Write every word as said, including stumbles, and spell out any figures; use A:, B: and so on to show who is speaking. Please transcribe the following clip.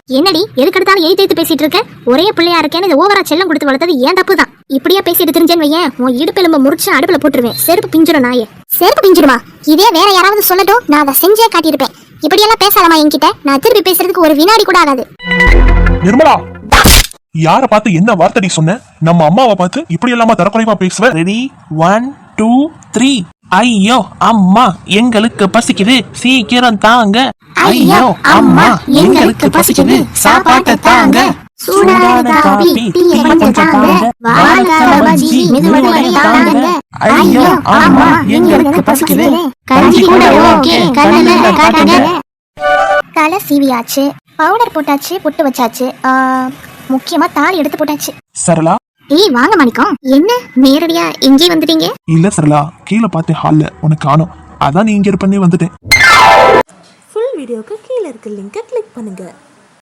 A: என்னடி எதுக்கு எடுத்தாலும் எய்த் எய்த்து பேசிட்டு இருக்க? ஒரே பிள்ளையா இருக்கேன்னு இது ஓவரா செல்லம் கொடுத்து வளர்த்தது ஏன் தப்பு தான். இப்படியா பேசிட்டு தெரிஞ்சேன்னு வையேன், உன் இடுப்பெலும்ப முறிச்சு அடுப்புல போட்டுருவேன். செருப்பு பிஞ்சிரும் நாயே. செருப்பு பிஞ்சிருமா? இதே வேற யாராவது சொல்லட்டும், நான் அதை செஞ்சே காட்டியிருப்பேன். இப்படியெல்லாம் பேசலாமா என்கிட்ட? நான் திருப்பி பேசுறதுக்கு ஒரு வினாடி கூட ஆகாது.
B: நிர்மலா, யார பார்த்து என்ன வார்த்தடி சொன்ன? நம்ம அம்மாவை பார்த்து இப்படி எல்லாமா தரக்குறைவா பேசுவ?
C: Ready, one two three. ஐயோ அம்மா, எங்களுக்கு பசிக்குது, சீக்கிரம் தாங்க. ஐயோ அம்மா, எங்களுக்கு பசிக்குது, சாப்பாட்டை தாங்க.
A: சூடான காபி, டீயை கொஞ்சம் தாங்க. வாழைக்காய் பஜ்ஜி, மெதுவடை தாங்க.
C: ஐயோ அம்மா, எங்களுக்கு பசிக்குது.
A: கஞ்சி கூட ஓகே, கண்ணுல காட்டுங்க. தலை சீவியாச்சு, பவுடர் போட்டாச்சு, பொட்டு வச்சாச்சு, முக்கியமா தாலி எடுத்து போட்டாச்சு.
B: சரளா,
A: ஏய் வாங்க மாணிக்கம். என்ன நேரடியா இங்கே வந்துட்டீங்க?
B: இல்ல சரளா, கீழே பார்த்தேன் ஹால்ல உனக்கு காணோம், அதான் நீ இங்க இருப்பேன்னு வந்துட்டேன்.
D: ஃபுல் வீடியோக்கு கீழே இருக்க லிங்கை கிளிக் பண்ணுங்க.